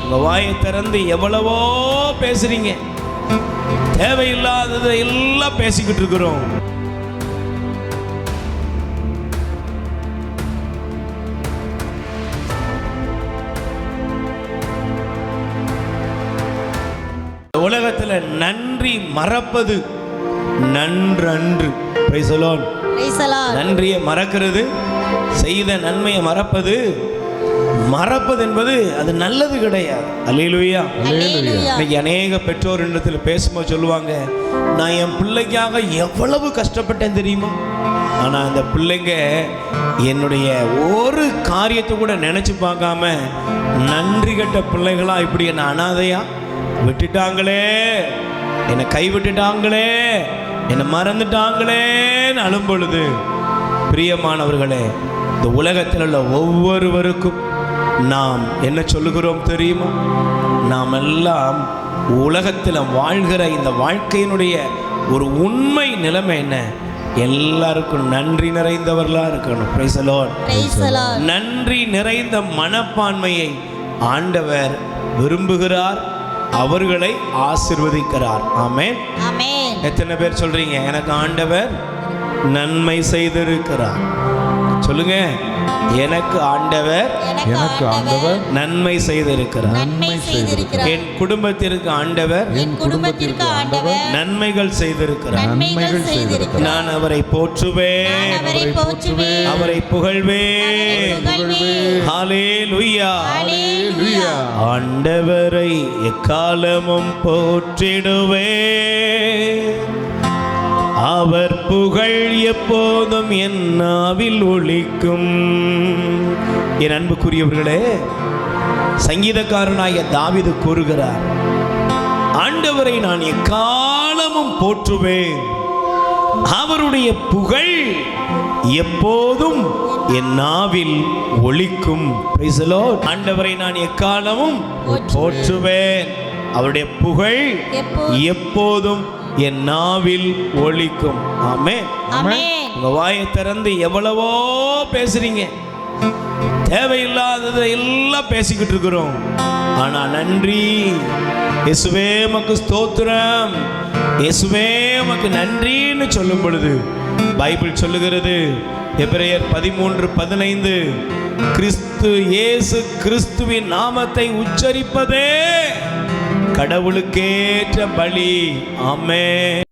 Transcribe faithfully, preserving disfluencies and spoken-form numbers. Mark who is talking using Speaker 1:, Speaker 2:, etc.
Speaker 1: உங்க வாயை திறந்து எவ்வளவோ பேசுறீங்க, தேவையில்லாததை எல்லாம் பேசிக்கிட்டு இருக்கிறோம். உலகத்துல நன்றி மறப்பது நன்றன்று. Praise the lord.
Speaker 2: Praise the lord.
Speaker 1: நன்றியை மறக்கிறது, செய்த நன்மையை மறப்பது, மறப்பது என்பது அது நல்லது கிடையாது. அல்லேலூயா. இன்னைக்கு அநேக பெற்றோர் இடத்துல பேசும்போது சொல்லுவாங்க, நான் என் பிள்ளைக்காக எவ்வளவு கஷ்டப்பட்டேன் தெரியுமா, ஆனா அந்த பிள்ளைங்க என்னுடைய ஒரு காரியத்தை கூட நினைச்சு பார்க்காம நன்றி கெட்ட பிள்ளைகளா இப்படி என்ன அனாதையா விட்டுட்டாங்களே, என்னை கைவிட்டுட்டாங்களே, என்னை மறந்துட்டாங்களேன்னு அழும் பொழுது, பிரியமானவர்களே, இந்த உலகத்தில் உள்ள ஒவ்வொருவருக்கும் நாம் என்ன சொல்லுகிறோம் தெரியுமா? நாம் எல்லாம் உலகத்தில் வாழ்கிற இந்த வாழ்க்கையினுடைய ஒரு உண்மை நிலைமை என்ன? எல்லாருக்கும் நன்றி நிறைந்தவர்களாக இருக்கணும். Praise the lord. நன்றி நிறைந்த மனப்பான்மையை ஆண்டவர் விரும்புகிறார், அவர்களை ஆசீர்வதிக்கிறார். ஆமென்.
Speaker 2: ஆமென்.
Speaker 1: எத்தனை பேர் சொல்றீங்க, எனக்கு ஆண்டவர் நன்மை செய்திருக்கிறார்? சொல்லுங்க, எனக்கு ஆண்டவர்
Speaker 2: எனக்கு ஆண்டவர்
Speaker 1: நன்மை செய்திருக்கிறார்.
Speaker 2: நன்மை செய்திருக்கிறார்.
Speaker 1: என் குடும்பத்திற்கு ஆண்டவர்
Speaker 2: என் குடும்பத்திற்கு ஆண்டவர்
Speaker 1: நன்மைகள் செய்திருக்கிறார்.
Speaker 2: நன்மைகள் செய்திருக்கிறார்.
Speaker 1: நான் அவரை போற்றுவேன்,
Speaker 2: அவரை போற்றுவேன்,
Speaker 1: அவரை புகழ்வேன். ஹல்லேலூயா.
Speaker 2: ஹல்லேலூயா.
Speaker 1: ஆண்டவரை எக்காலமும் போற்றிடுவேன், அவர் புகழ் எப்போதும் என் நாவில் ஒலிக்கும். என் அன்புக்குரியவர்களே, சங்கீதக்காரனாகிய தாவீது கூறுகிறார், ஆண்டவரை நான் எக்காலமும் போற்றுவேன், அவருடைய புகழ் எப்போதும் என் நாவில் ஒலிக்கும். Praise the lord. ஆண்டவரை நான் எக்காலமும் போற்றுவேன், அவருடைய புகழ் எப்போதும் என் நாவில் ஒலிக்கும். ஆமென்.
Speaker 2: ஆமென்.
Speaker 1: உங்க வாயை திறந்து எவ்வளவோ பேசுறீங்க, தேவையில்லாததை எல்லாம் பேசிக்கிட்டு இருக்கிறோம். ஆனா நன்றி, இயேசுவே உமக்கு ஸ்தோத்திரம், இயேசுவே உமக்கு நன்றின்னு சொல்லும் பொழுது பைபிள் சொல்லுகிறது, எபிரேயர் பதிமூன்று பதினைந்து, கிறிஸ்து இயேசு கிறிஸ்துவின் நாமத்தை உச்சரிப்பதே கடவுளுக்கேற்ற பலி. ஆமென்.